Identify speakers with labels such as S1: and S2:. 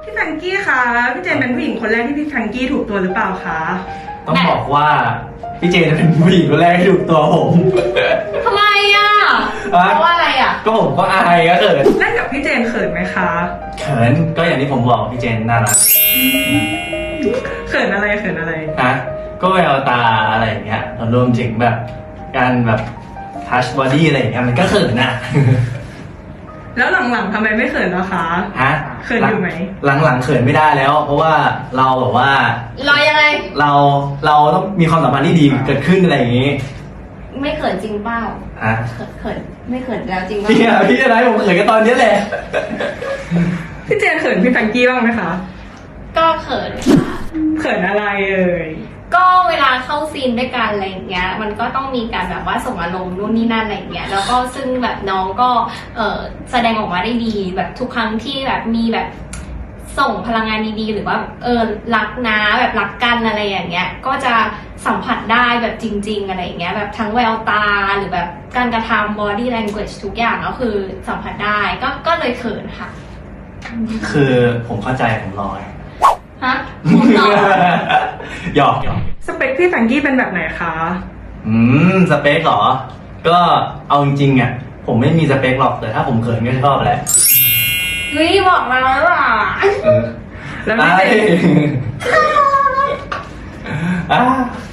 S1: พี่แฟรงกี้คะพี่เจนเป็นผู้หญิงคนแรกที่พี่แฟรงกี้ถูกตัวหรือเปล่าคะ
S2: ต้องบอกว่าพี่เจนเป็นผู้หญิงคนแรกที่ถูกตัวผม
S3: ทำไมอ่ะเพราะว่าอะไรอ่ะ
S2: ก็ผมก็อายก็เขิน
S1: เล่นกับพี่เจนเขินไหมคะ
S2: เขินก็อย่างที่ผมบอกพี่เจนน่ารัก
S1: เขินอะไรเขินอะไร
S2: นะก็แววตาอะไรอย่างเงี้ยรวมถึงแบบการแบบทัชบอดี้อะไรอย่างเงี้ยมันก็เขินน่ะ
S1: แล้วหลังๆทำไมไม่เขินล่ะคะ
S2: ฮะ
S1: เขินอยู่ไหม
S2: หลังๆเขินไม่ได้แล้ว เพราะว่าเราแบบว่า
S3: รอยังไง
S2: เราต้องมีความสัมพันธ์ที่ดีเกิดขึ้นอะไรอย่างงี้
S3: ไม่เขินจริงเปล่า
S2: ฮะ
S3: เขินไม่เขินแล้วจริงเปล่า
S2: พี่อะไรผมเขินกันตอนนี้แหละ
S1: พี่เจนเขินพี่แฟรงกี้บ้างไหมคะ
S3: ก็เขินค่ะ
S1: เขินอะไรเอ่ย
S3: ก็เวลาเข้าซีนด้วยกันอะไรอย่างเงี้ย มันก็ต้องมีการแบบว่าส่งอารมณ์นู่นนี่นั่นอะไรอย่างเงี้ย แล้วก็ซึ่งแบบน้องก็แสดงออกมาได้ดีแบบทุกครั้งที่แบบมีแบบส่งพลังงานดีๆหรือว่ารักนะแบบรักกันอะไรอย่างเงี้ย ก็จะสัมผัสได้แบบจริง ๆอะไรอย่างเงี้ยแบบทั้งแววตาหรือแบบการกระทำ body language ทุกอย่างก็คือสัมผัสได้ก็เลยเขินค่ะ
S2: คือผมเข้าใจผมลอย
S3: ฮะผมตอบ
S2: หยอก
S1: สเปคพี่แฟรงกี้เป็นแบบไหนคะ
S2: สเปคเหรอ ก็เอาจริงๆอ่ะผมไม่มีสเปคหรอกแต่ถ้าผมเขินก็ชอบแหละ
S3: เฮ้ยบอกมาแล้วอ่ะ
S1: แล้ว
S2: ไอ้
S1: พี่เจน
S2: อ่ะ